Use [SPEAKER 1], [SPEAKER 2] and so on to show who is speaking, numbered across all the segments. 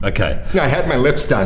[SPEAKER 1] Okay.
[SPEAKER 2] I had my lips done.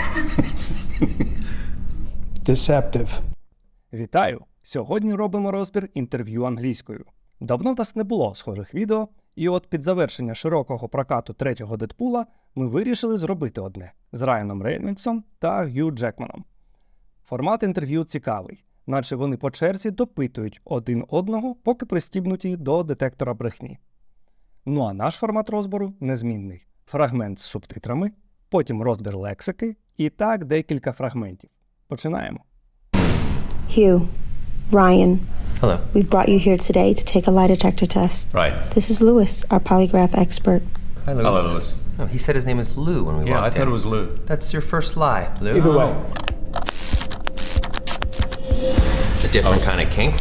[SPEAKER 3] Deceptive.
[SPEAKER 4] Вітаю! Сьогодні робимо розбір інтерв'ю англійською. Давно в нас не було схожих відео, і от під завершення широкого прокату третього Дедпула ми вирішили зробити одне з Райаном Рейнольдсом та Г'ю Джекманом. Формат інтерв'ю цікавий, наче вони по черзі допитують один одного, поки пристібнуті до детектора брехні. Ну а наш формат розбору незмінний. Фрагмент з субтитрами, потім розбір лексики і так декілька фрагментів. Починаємо.
[SPEAKER 5] Hugh, Ryan,
[SPEAKER 6] Hello.
[SPEAKER 5] we've brought you here today to take a lie detector test.
[SPEAKER 6] Right.
[SPEAKER 5] This is Lewis, our polygraph expert.
[SPEAKER 6] Hi, Lewis.
[SPEAKER 1] Hello, Lewis.
[SPEAKER 6] Oh, he said his name is Lou when we
[SPEAKER 1] Yeah, I
[SPEAKER 6] walked
[SPEAKER 1] thought
[SPEAKER 6] in.
[SPEAKER 1] it was Lou.
[SPEAKER 6] That's your first lie, Lou.
[SPEAKER 3] Either way.
[SPEAKER 6] It's a different kind of kink.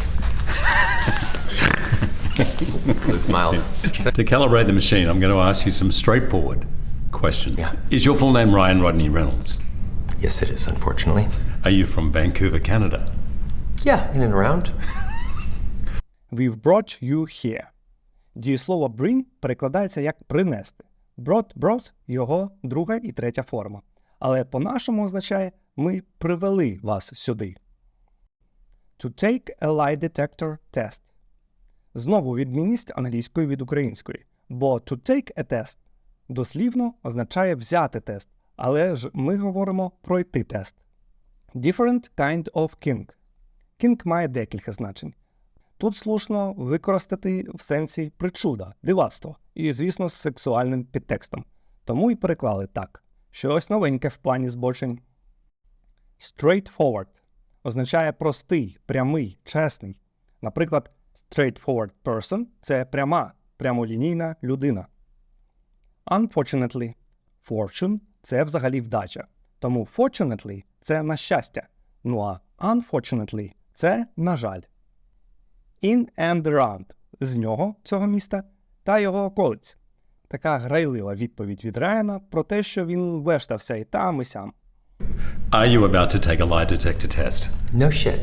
[SPEAKER 6] Lou smiled.
[SPEAKER 1] To calibrate the machine, I'm going to ask you some straightforward questions.
[SPEAKER 6] Yeah.
[SPEAKER 1] Is your full name Ryan Rodney Reynolds?
[SPEAKER 6] Yes, it is, unfortunately.
[SPEAKER 1] Are you from Vancouver, Canada?
[SPEAKER 6] Yeah, in and around.
[SPEAKER 4] We've brought you here. Дієслово bring перекладається як принести. Brought – його друга і третя форма. Але по-нашому означає ми привели вас сюди. To take a lie detector test. Знову відмінність англійської від української. Бо to take a test дослівно означає взяти тест, але ж ми говоримо пройти тест. Different kind of kink. Kink має декілька значень. Тут слушно використати в сенсі причуда, дивацтво і, звісно, з сексуальним підтекстом. Тому і переклали так. Щось новеньке в плані збочень. Straightforward означає простий, прямий, чесний. Наприклад, straightforward person – це пряма, прямолінійна людина. Unfortunately. Fortune – це взагалі вдача. Тому fortunately – це на щастя. Ну а unfortunately – це на жаль. In and around – з нього, цього міста, та його околиць. Така грайлива відповідь від Райана про те, що він вештався і там, і сям.
[SPEAKER 1] Are you about to take a lie detector test?
[SPEAKER 6] No shit.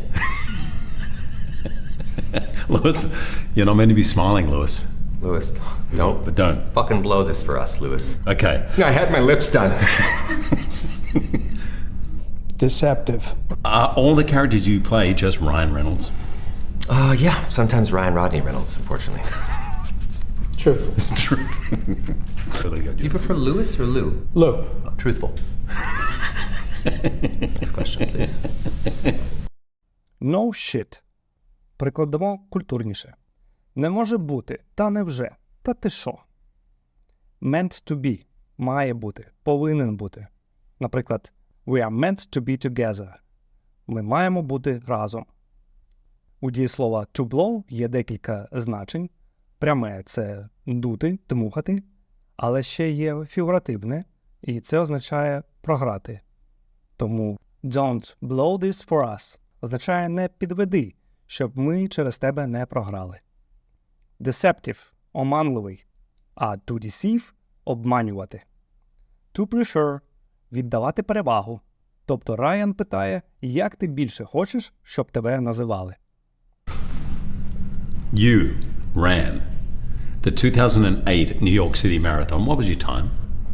[SPEAKER 1] Lewis, you're not meant to be smiling, Lewis.
[SPEAKER 6] Lewis, don't
[SPEAKER 1] But don't.
[SPEAKER 6] fucking blow this for us, Lewis.
[SPEAKER 1] Okay.
[SPEAKER 2] I had my lips done.
[SPEAKER 3] Deceptive.
[SPEAKER 1] Are all the characters you play just Ryan Reynolds?
[SPEAKER 6] Yeah, sometimes Ryan Rodney Reynolds, unfortunately.
[SPEAKER 3] Truthful.
[SPEAKER 1] Really good.
[SPEAKER 6] Do you prefer Lewis or Lou?
[SPEAKER 3] Lou.
[SPEAKER 6] Truthful. Next question, please.
[SPEAKER 4] No shit. Прикладемо культурніше. Не може бути, та невже, та ти що. Meant to be. Має бути, повинен бути. Наприклад, we are meant to be together. Ми маємо бути разом. У дієслова to blow є декілька значень. Пряме – це дути, дмухати, але ще є фігуративне, і це означає програти. Тому don't blow this for us означає не підведи, щоб ми через тебе не програли. Deceptive – оманливий, а to deceive – обманювати. To prefer – віддавати перевагу. Тобто Райан питає, як ти більше хочеш, щоб тебе називали.
[SPEAKER 1] You ran the 2008 New York City Marathon. What was your time?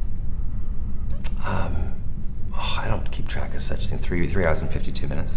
[SPEAKER 6] Oh, I don't keep track of such things. 3 hours and 52 minutes.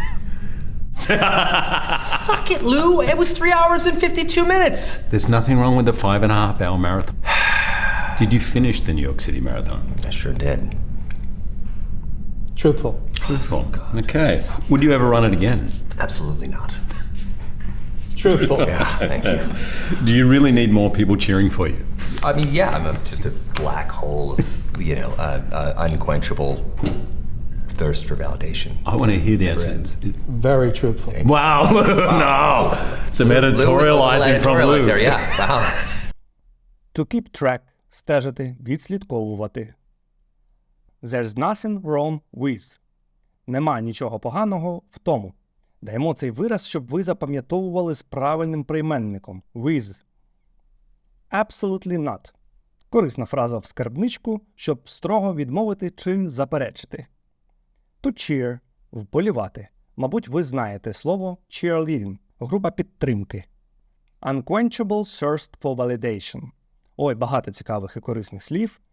[SPEAKER 6] Suck it, Lou! It was 3 hours and 52 minutes!
[SPEAKER 1] There's nothing wrong with the 5.5 hour marathon. Did you finish the New York City Marathon?
[SPEAKER 6] I sure did.
[SPEAKER 3] Truthful.
[SPEAKER 1] Truthful. Okay. Would you ever run it again?
[SPEAKER 6] Absolutely not.
[SPEAKER 3] Truthful.
[SPEAKER 6] Thank you.
[SPEAKER 1] Do you really need more people cheering for you?
[SPEAKER 6] I mean, yeah, I'm just a black hole of, unquenchable thirst for validation.
[SPEAKER 1] I want to hear the answer.
[SPEAKER 6] Friends.
[SPEAKER 3] Very truthful.
[SPEAKER 1] Wow. No. Some editorializing from
[SPEAKER 6] Editorial
[SPEAKER 1] Lou.
[SPEAKER 6] right there, yeah. Wow.
[SPEAKER 4] To keep track – стежити, відслідковувати. There's nothing wrong with. Нема нічого поганого в тому. Даємо цей вираз, щоб ви запам'ятовували з правильним прийменником – with. Absolutely not. Корисна фраза в скарбничку, щоб строго відмовити чи заперечити. To cheer – вболівати. Мабуть, ви знаєте слово cheerleading – група підтримки. Unquenchable thirst for validation. Ой, багато цікавих і корисних слів.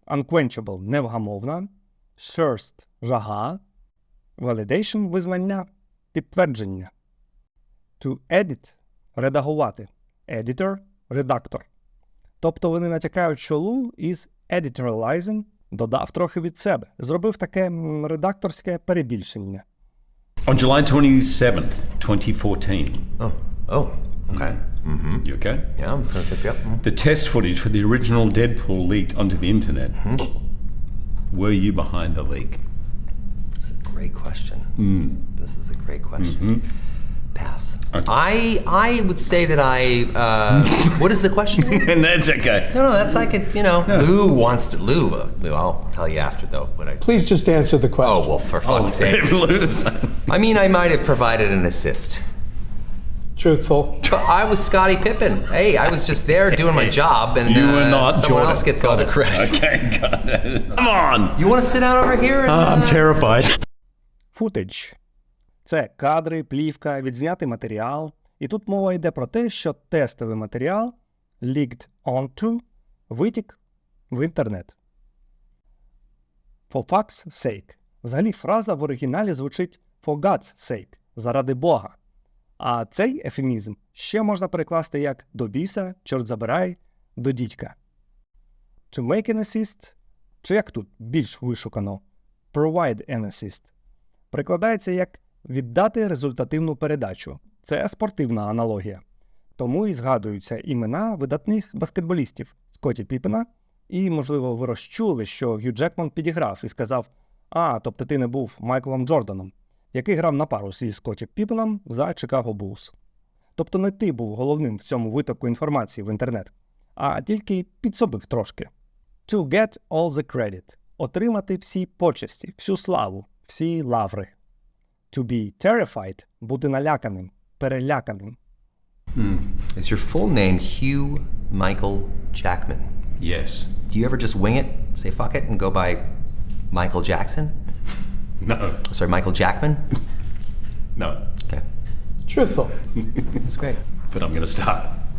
[SPEAKER 4] unquenchable – невгамовна, thirst – жага, validation – визнання, підтвердження. To edit – редагувати, editor – редактор. Тобто вони натякають, що Лу із editorializing додав трохи від себе, зробив таке редакторське перебільшення.
[SPEAKER 1] On July 27th, 2014.
[SPEAKER 6] Oh, okay.
[SPEAKER 1] You okay?
[SPEAKER 6] Yeah, I'm gonna pick you up.
[SPEAKER 1] The test footage for the original Deadpool leaked onto the internet. Were you behind the leak?
[SPEAKER 6] This is a great question. This is a great question. Pass.
[SPEAKER 1] Okay.
[SPEAKER 6] I would say that what is the question?
[SPEAKER 1] And that's okay.
[SPEAKER 6] No, that's like Lou wants to. Lou, I'll tell you after though. But
[SPEAKER 3] Please just answer the
[SPEAKER 6] oh
[SPEAKER 3] question.
[SPEAKER 6] well, for fuck's sake. I mean, I might have provided an assist.
[SPEAKER 3] Truthful.
[SPEAKER 6] But I was Scottie Pippen. Hey, I was just there doing my job, and
[SPEAKER 1] You were not
[SPEAKER 6] someone
[SPEAKER 1] Jordan.
[SPEAKER 6] else gets all the credit.
[SPEAKER 1] Okay, got it. Come on.
[SPEAKER 6] You want to sit down over here? And,
[SPEAKER 1] I'm terrified.
[SPEAKER 4] Footage – це кадри, плівка, відзнятий матеріал. І тут мова йде про те, що тестовий матеріал leaked onto витік в інтернет. For fuck's sake. Взагалі фраза в оригіналі звучить for God's sake – заради Бога. А цей ефемізм ще можна перекласти як до біса, чорт забирай, до дідька. To make an assist, чи як тут більш вишукано, provide an assist, перекладається як віддати результативну передачу. Це спортивна аналогія. Тому і згадуються імена видатних баскетболістів Скотті Піппена, і, можливо, ви розчули, що Гью Джекман підіграв і сказав: тобто ти не був Майклом Джорданом, який грав на пару зі Скотті Піппеном за Чикаго Буллс. Тобто не ти був головним в цьому витоку інформації в інтернет, а тільки підсобив трошки. To get all the credit – отримати всі почесті, всю славу, всі лаври. To be terrified – бути наляканим, переляканим.
[SPEAKER 6] Is your full name Hugh Michael Jackman?
[SPEAKER 1] Yes.
[SPEAKER 6] Do you ever just wing it, say fuck it, and go by Michael Jackson?
[SPEAKER 1] No.
[SPEAKER 6] Sorry, Michael Jackman?
[SPEAKER 1] No.
[SPEAKER 6] Okay,
[SPEAKER 3] Truthful.
[SPEAKER 6] that's great.
[SPEAKER 1] But I'm going to start.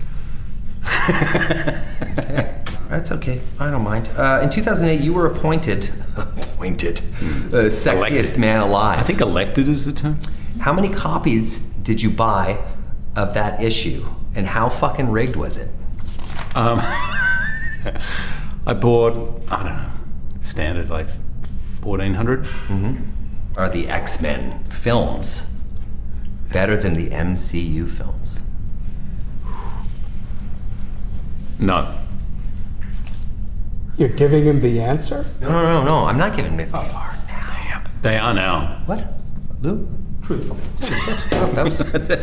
[SPEAKER 6] That's okay. I don't mind. In 2008, you were appointed sexiest
[SPEAKER 1] Elected.
[SPEAKER 6] man alive.
[SPEAKER 1] I think elected is the term.
[SPEAKER 6] How many copies did you buy of that issue, and how fucking rigged was it?
[SPEAKER 1] I bought, I don't know, standard like 1,400.
[SPEAKER 6] Are the X-Men films better than the MCU films?
[SPEAKER 1] No.
[SPEAKER 3] You're giving him the answer?
[SPEAKER 6] No. I'm not giving it. They are now.
[SPEAKER 1] They are now.
[SPEAKER 6] What? Lou?
[SPEAKER 3] Truthful.
[SPEAKER 6] That was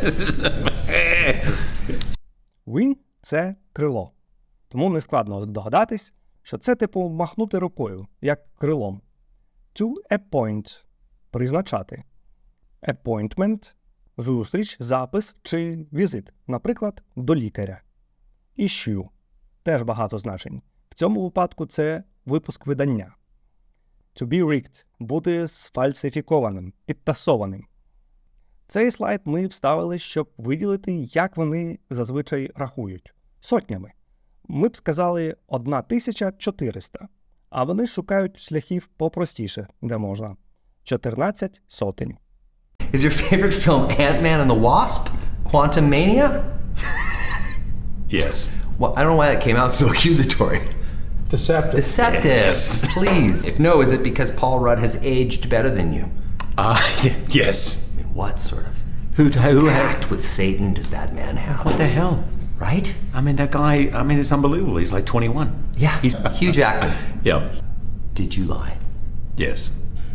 [SPEAKER 4] Wing – це крило. Тому нескладно догадатись, що це типу махнути рукою, як крилом. To appoint – призначати. Appointment – зустріч, запис чи візит, наприклад, до лікаря. Issue – теж багато значень. В цьому випадку це випуск видання. To be rigged – бути сфальсифікованим, підтасованим. Цей слайд ми вставили, щоб виділити, як вони зазвичай рахують. Сотнями. Ми б сказали 1400, а вони шукають шляхів попростіше, де можна. 14 сотень.
[SPEAKER 6] Is your favorite film Ant-Man and the Wasp? Quantum Mania?
[SPEAKER 1] Yes.
[SPEAKER 6] Well, I don't know why that came out so accusatory.
[SPEAKER 3] Deceptive.
[SPEAKER 6] Deceptive.
[SPEAKER 1] Yes.
[SPEAKER 6] Please. If no, is it because Paul Rudd has aged better than you?
[SPEAKER 1] Yes.
[SPEAKER 6] I mean, what sort of
[SPEAKER 1] Who
[SPEAKER 6] pact with Satan does that man have?
[SPEAKER 1] What the hell?
[SPEAKER 6] Right?
[SPEAKER 1] I mean, that guy, it's unbelievable. He's like 21.
[SPEAKER 6] Yeah.
[SPEAKER 1] He's
[SPEAKER 6] Hugh Jackman.
[SPEAKER 1] Yeah.
[SPEAKER 6] Did you lie?
[SPEAKER 1] Yes.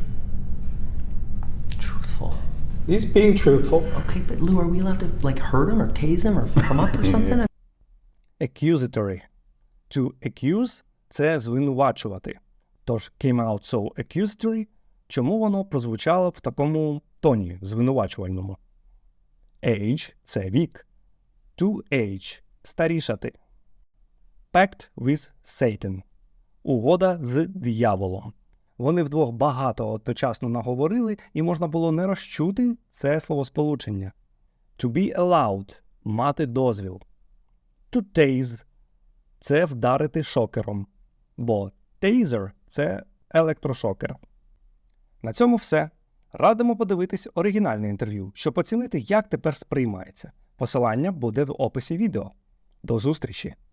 [SPEAKER 6] Truthful.
[SPEAKER 3] He's being truthful.
[SPEAKER 6] Okay, but Lou, are we allowed to hurt him or tase him or fuck him up or something?
[SPEAKER 4] Accusatory. To accuse – це звинувачувати. Тож came out so accusatory, чому воно прозвучало в такому тоні звинувачувальному. Age – це вік. To age – старішати. Pact with Satan – угода з дияволом. Вони вдвох багато одночасно наговорили, і можна було не розчути це словосполучення. To be allowed – мати дозвіл. To tase – це вдарити шокером, бо Taser – це електрошокер. На цьому все. Радимо подивитись оригінальне інтерв'ю, щоб оцінити, як тепер сприймається. Посилання буде в описі відео. До зустрічі!